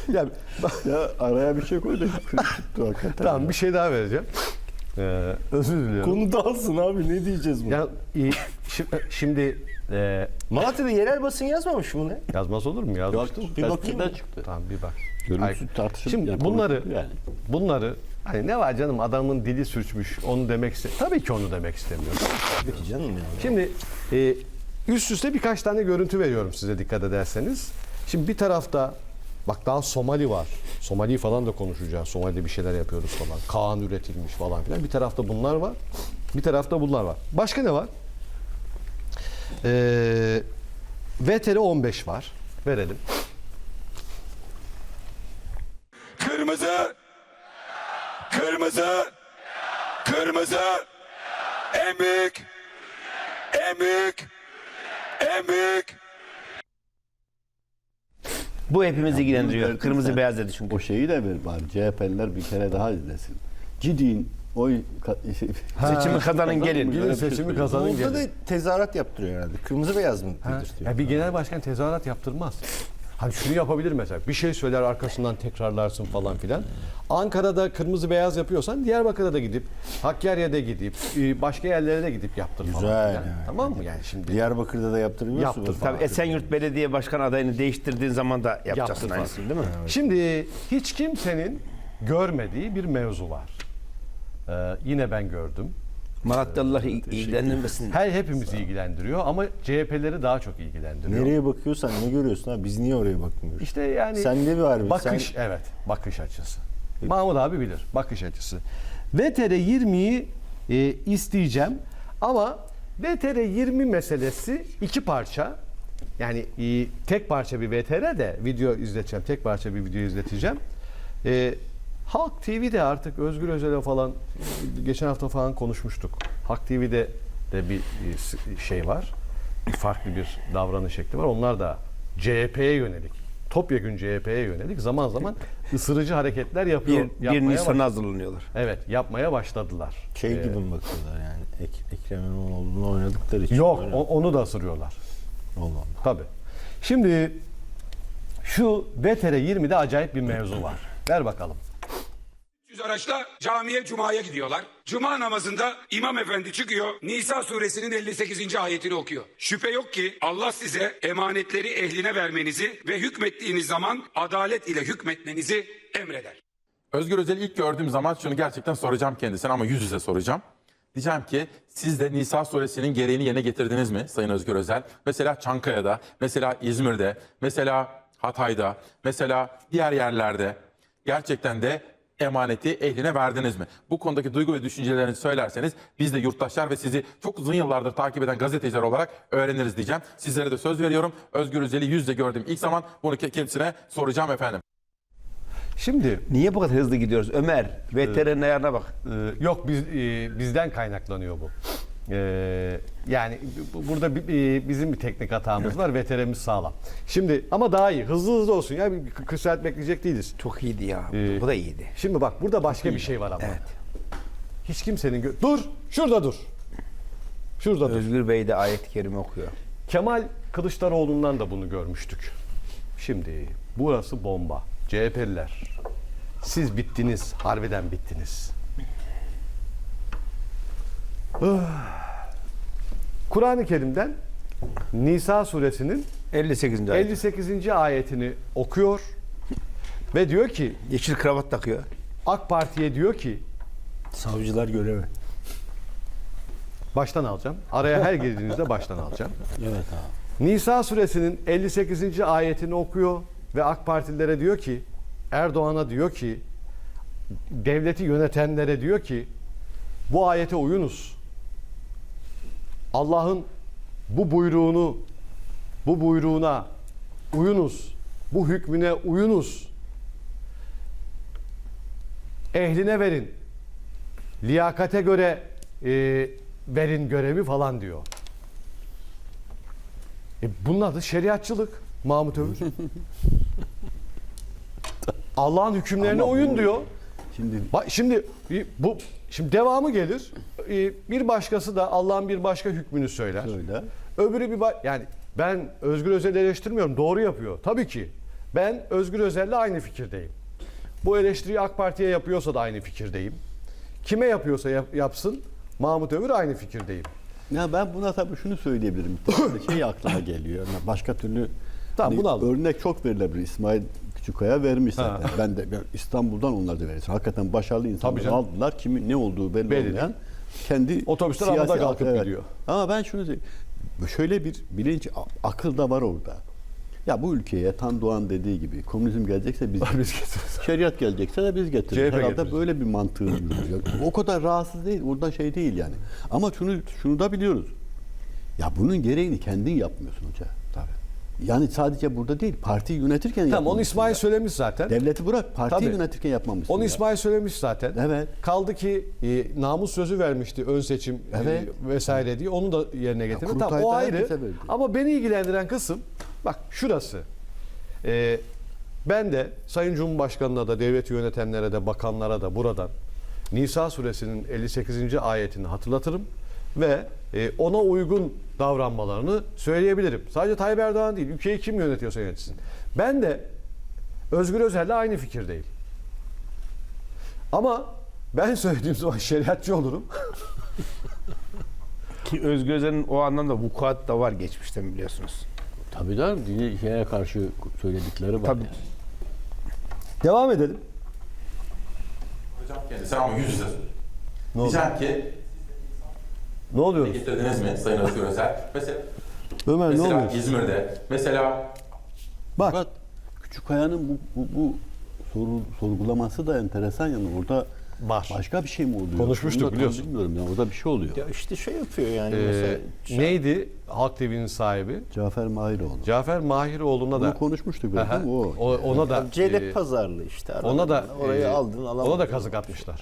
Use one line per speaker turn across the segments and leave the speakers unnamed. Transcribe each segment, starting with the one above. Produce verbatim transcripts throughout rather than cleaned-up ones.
Yani,
Ya araya bir şey koy da
tamam, bir şey daha vereceğim. Ee, özür diliyorum.
Konu dağılsın abi, ne diyeceğiz bunu?
Ya, e, şi- şimdi e,
Malatya'da yerel basın yazmamış mı ne?
yazmaz olur mu? Yazmıştır.
Bir bakayım mı?
çıktı.
Tamam, bir bak.
Görüntüsü
Ay,
tartışılır.
Şimdi
yani
bunları
konuşulur yani.
bunları hani ne var canım, adamın dili sürçmüş, onu demek iste. Tabii ki onu demek istemiyorum.
Peki canım yani.
Şimdi e, üst üste birkaç tane görüntü veriyorum size, dikkat ederseniz. Şimdi bir tarafta bak, daha Somali var. Somali falan da konuşacağız. Somali'de bir şeyler yapıyoruz falan. Kaan üretilmiş falan filan. Bir tarafta bunlar var. Bir tarafta bunlar var. Başka ne var? Ee, V T R on beş var. Verelim.
Kırmızı, kırmızı, kırmızı, en büyük, en büyük, en büyük.
Bu hepimizi ilgilendiriyor.
Bunu
Kırmızı
sen-
beyaz dedi çünkü.
O şeyi de ver bari. C H P'liler bir kere daha izlesin. Cidin oy ka- şey,
Seçimi kazanın gelin.
Gidin seçimi kazanın
Orada
gelin.
da tezahürat yaptırıyor herhalde. Kırmızı beyaz mı
Ha,
dedirtiyor?
ya bir genel başkan tezahürat yaptırmaz. Hani şunu yapabilir mesela. Bir şey söyler, arkasından tekrarlarsın falan filan. Ankara'da kırmızı beyaz yapıyorsan Diyarbakır'a da gidip, Hakkari'ye gidip, e, başka yerlere de gidip yaptır falan.
Güzel
filan.
yani.
Tamam mı yani şimdi?
Diyarbakır'da da yaptırmıyorsun.
Yaptır
bu.
falan.
Tabii Esenyurt Belediye Başkan adayını değiştirdiğin zaman da yapacaksın
Yaptır
aynısını değil mi?
Şimdi hiç kimsenin görmediği bir mevzu var. Ee, yine ben gördüm.
Malatyalıları ilgilendirmesin.
Her hepimizi ilgilendiriyor ama C H P'leri daha çok ilgilendiriyor.
Nereye bakıyorsan ne görüyorsun ha? Biz niye oraya bakmıyoruz?
İşte yani
Sende var bir.
bakış,
Sen-
evet, bakış açısı. Mahmut abi bilir bakış açısı. V T R yirmiyi e, isteyeceğim ama V T R yirmi meselesi iki parça. Yani e, tek parça bir V T R de video izleteceğim. Tek parça bir video izleteceğim. E, Halk T V'de artık Özgür Özel'e falan geçen hafta falan konuşmuştuk. Halk T V'de de bir e, şey var. Bir farklı bir davranış şekli var. Onlar da C H P'ye yönelik, topyekün C H P'ye yönelik zaman zaman ısırıcı hareketler yapıyor.
Bir, bir
yapmaya
Nisan'a
baş-
hazırlanıyorlar.
Evet, yapmaya başladılar.
Şey
Ee,
gibi mi bakıyorlar yani? Ek, Ekrem İmamoğlu'nu oynadıkları için.
Yok,
öyle.
o- onu da ısırıyorlar.
Allah Allah.
Tabii. Şimdi şu V T R yirmide acayip bir mevzu var. Ver bakalım.
Yüz araçla camiye cumaya gidiyorlar. Cuma namazında imam efendi çıkıyor. Nisa suresinin elli sekizinci ayetini okuyor. Şüphe yok ki Allah size emanetleri ehline vermenizi ve hükmettiğiniz zaman adalet ile hükmetmenizi emreder.
Özgür Özel'i ilk gördüğüm zaman şunu gerçekten soracağım kendisine ama yüz yüze soracağım. Diyeceğim ki siz de Nisa suresinin gereğini yerine getirdiniz mi Sayın Özgür Özel? Mesela Çankaya'da, mesela İzmir'de, mesela Hatay'da, mesela diğer yerlerde gerçekten de emaneti ehline verdiniz mi? Bu konudaki duygu ve düşüncelerinizi söylerseniz biz de yurttaşlar ve sizi çok uzun yıllardır takip eden gazeteciler olarak öğreniriz diyeceğim. Sizlere de söz veriyorum. Özgür Özel'i yüz yüze gördüğüm ilk zaman bunu kendisine soracağım efendim.
Şimdi
Niye bu kadar hızlı gidiyoruz? Ömer, V T R'nin ayarına bak.
e, yok biz e, bizden kaynaklanıyor bu. E, yani bu- burada bir- e, bizim bir teknik hatamız var. V T R'miz sağlam. Şimdi ama daha iyi. Hızlı hızlı olsun ya. Bir kırk saat bekleyecek değiliz.
Çok iyiydi ya.
Ee,
Bu da iyiydi.
Şimdi bak, burada başka bir şey var ama.
Evet.
Hiç kimsenin gö- dur, şurada dur. Şurada dur.
Özgür Bey de ayet-i kerime okuyor.
Kemal Kılıçdaroğlu'ndan da bunu görmüştük. Şimdi burası bomba. C H P'liler, siz bittiniz, harbiden bittiniz. Ah. Kur'an-ı Kerim'den Nisa suresinin
elli sekizinci ayet.
elli sekizinci ayetini okuyor ve diyor ki,
Yeşil kravat takıyor.
AK Parti'ye diyor ki,
Savcılar görevi.
baştan alacağım. Araya her girdiğinizde baştan alacağım.
Evet abi.
Nisa suresinin elli sekizinci ayetini okuyor ve AK Partililere diyor ki, Erdoğan'a diyor ki, devleti yönetenlere diyor ki, bu ayete uyunuz. Allah'ın bu buyruğunu, bu buyruğuna uyunuz. Bu hükmüne uyunuz. Ehline verin. Liyakate göre e, verin görevi falan diyor. E bunun adı şeriatçılık Mahmut Övür. Allah'ın hükümlerine
Ama
uyun
bu-
diyor.
Şimdi
Bak şimdi e, bu şimdi devamı gelir. E, Bir başkası da Allah'ın bir başka hükmünü söyler.
Söyle.
Öbürü bir ba- yani ben Özgür Özel'i eleştirmiyorum. Doğru yapıyor. Tabii ki. Ben Özgür Özel'le aynı fikirdeyim. Bu eleştiriyi AK Parti'ye yapıyorsa da aynı fikirdeyim. Kime yapıyorsa yap- yapsın Mahmut Övür aynı fikirdeyim.
Ya ben buna tabii şunu söyleyebilirim. Bir tane de şey aklıma geliyor. Yani başka türlü
Tamam,
hani
bunu al.
örnek çok verilebilir. İsmail Küçükkaya vermiş
Ha.
zaten. Ben de ben İstanbul'dan onlar da verirsin. Hakikaten başarılı insanlar
Tabii canım.
aldılar. Kimin ne olduğu belli,
Belli
olmayan kendi
Otobüsler
siyasi
havada kalkıp
evet.
gidiyor.
Ama ben şunu söyleyeyim. Şöyle bir bilinç, a- akıl da var orada. Ya bu ülkeye Tan Doğan dediği gibi komünizm gelecekse biz,
Biz getiririz.
şeriat gelecekse de biz
C H
getiririz.
P
Herhalde
getiririz.
böyle bir mantığı yürüyor. O kadar rahatsız değil. Orada şey değil yani. Ama şunu şunu da biliyoruz. Ya bunun gereğini kendin yapmıyorsun hoca.
Tabii.
Yani sadece burada değil. Partiyi yönetirken
Tamam onu
yapmamışsın
İsmail
ya.
söylemiş zaten.
Devleti bırak. Partiyi
Tabii.
yönetirken yapmamışsın.
Onu
ya.
İsmail söylemiş zaten.
Evet.
Kaldı ki e, namus sözü vermişti ön seçim e,
Evet.
vesaire diye. Onu da yerine getirdi. Tamam
kurultayda
o ayrı.
herkese verdi.
Ama beni ilgilendiren kısım bak şurası. E, ben de Sayın Cumhurbaşkanı'na da devleti yönetenlere de bakanlara da buradan Nisa suresinin elli sekizinci ayetini hatırlatırım ve e, ona uygun davranmalarını söyleyebilirim. Sadece Tayyip Erdoğan değil, ülkeyi kim yönetiyorsa yönetsin. Ben de Özgür Özel'le aynı fikirdeyim. Ama ben söylediğim zaman şeriatçı olurum.
Ki Özgür Özel'in o anlamda vukuat da var geçmişten biliyorsunuz.
Tabii canım. Dini şeye karşı söyledikleri var.
Tabii.
yani.
Devam edelim.
Hocam kendisi ama yüz yüze.
Ne oldu?
Diyeceğim ki
Ne oluyor?
getirdiniz mi Sayın Özgür Özel? Mesela,
Ömer ne
mesela
oluyor?
İzmir'de, mesela
Bak.
Fakat Küçükkaya'nın bu, bu, bu soru, sorgulaması da enteresan yani orada
Var.
başka bir şey mi oluyor?
Konuşmuştuk
Onu da tam
biliyorsun.
Bilmiyorum yani orada bir şey oluyor.
Ya işte şey yapıyor yani
Ee,
mesela.
neydi Halk T V'nin sahibi?
Cafer Mahiroğlu.
Cafer Mahiroğlu'na da
Bunu konuşmuştuk biraz
Aha,
değil mi? O.
o- ona da
Celep
e,
pazarlığı işte.
ona da
orayı
e,
aldın alamadın.
ona da kazık atmışlar.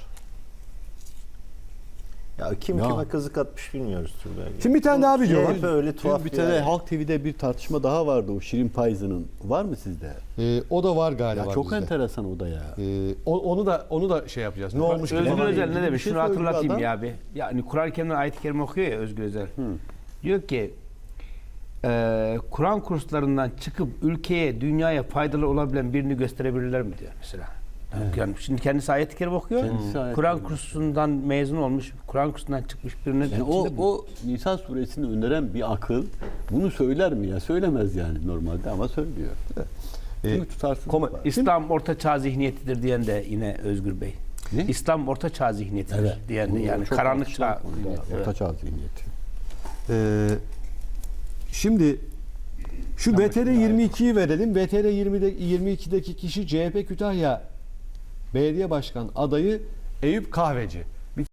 Ya kim
Ya.
kime kazık atmış bilmiyoruz Turgay.
Şimdi bir tane daha video var.
C H P öyle
Dün
tuhaf
bir
bir
tane
yer.
Halk T V'de bir tartışma daha vardı o Şirin Payzı'nın. Var mı sizde?
Ee, o da var galiba.
Ya çok
bizde.
enteresan o da ya.
Ee, o- onu da onu da şey yapacağız. Ne olmuş ki?
Özgür
falan
Özel
ilgili
ne
bir
demiş?
şey
Şunu
söylüyor
hatırlatayım
adam.
ya abi. Yani Kur'an-ı Kerim'den ayet-i kerime okuyor ya Özgür Özel. Diyor ki e, Kur'an kurslarından çıkıp ülkeye, dünyaya faydalı olabilen birini gösterebilirler mi diyor mesela. Yani şimdi kendisi ayet-i kerime okuyor.
Kendisi ayet-i
Kur'an
kerime.
kursundan mezun olmuş, Kur'an kursundan çıkmış birine
Yani o, o Nisan suresini öneren bir akıl bunu söyler mi ya? Söylemez yani normalde ama söylüyor.
Ee,
Çünkü tutarsız
koma-
var.
İslam orta çağ zihniyetidir diyen de yine Özgür Bey.
Ne?
İslam orta çağ zihniyetidir
Evet.
diyen de
Bu
yani
çok
karanlık
tartışılan
çağ.
konuda,
Evet.
Orta çağ zihniyeti.
Ee, şimdi şu V T R yirmi ikiyi verelim. V T R yirmide yirmi ikideki kişi C H P Kütahya Belediye Başkan adayı Eyüp Kahveci.